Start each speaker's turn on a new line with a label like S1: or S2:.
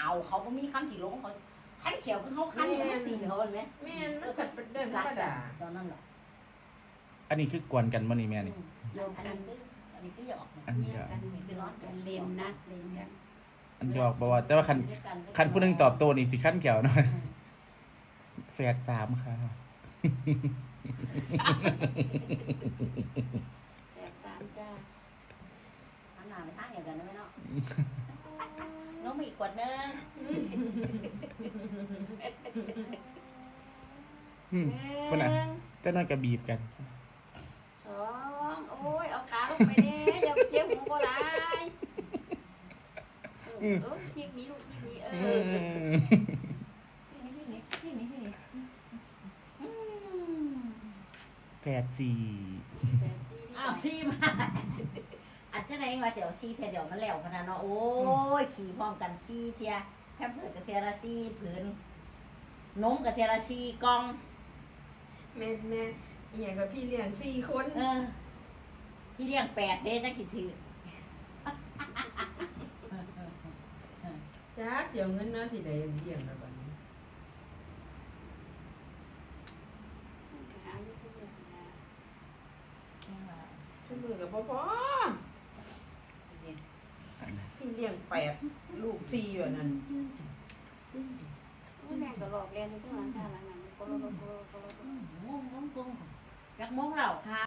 S1: เอาเขาบ่มีคำที่ลงเขาคันเขียวคือเขาคันอยู่ตีเขาเห็นไหม
S2: แม่นมันก็เดินธรรมดา
S1: ตอนนั้นแหละ
S3: อันนี้คือกวนกันบ่นี่แม่นี่
S1: โยนกันอันนี้ก็หยอก
S3: อันนี้
S1: กันนี่คือร้อนกันเลนนะเลนกัน
S3: อันหยอกบ่ว่าแต่ว่าคันผู้หนึงตอบโต้นี่สิคันแก้วหน่อยแฝด3ค่ะ
S1: 8-3จ้าอันหนาไม่ตั้งอย่างกันนะแม่เนาะน้องมีอีกขวดนึง
S3: พุ่นน่ะแต่นั่นก็บีบกัน
S1: 2โอ้ยเอาขาลงไปเด้อย่าไปเจ็บหัวบ่หลายยิงมีลูกยิงมีนี่
S3: แฝด4
S1: อ้าวซีมาอันจะไหนว่าจะเอาซีเทียเดี๋ยวมันแล้วขนาดเนาะโอ้ยขี่พร้อมกันซีเทียแค่เผือกกับเทียละซีผืนนมกับเทียละซีกล่อง
S2: แม่อีหยังกับพี่เลี้ยง4 คน
S1: พี่เลี้ยง8เด้จังคิดถือ
S2: จ้าเสียเงินนะสิได้เลี้ยงแล้วบัดนี้ชั่วมือก็บ่พอพี่เลี้ยง8ลูก4อยู่นั่น
S4: แม่ก็หลอกเรียนที่ข้างหลังข้างหลังนั้นก็รถ
S1: งงจักมงเหล่าค่ะ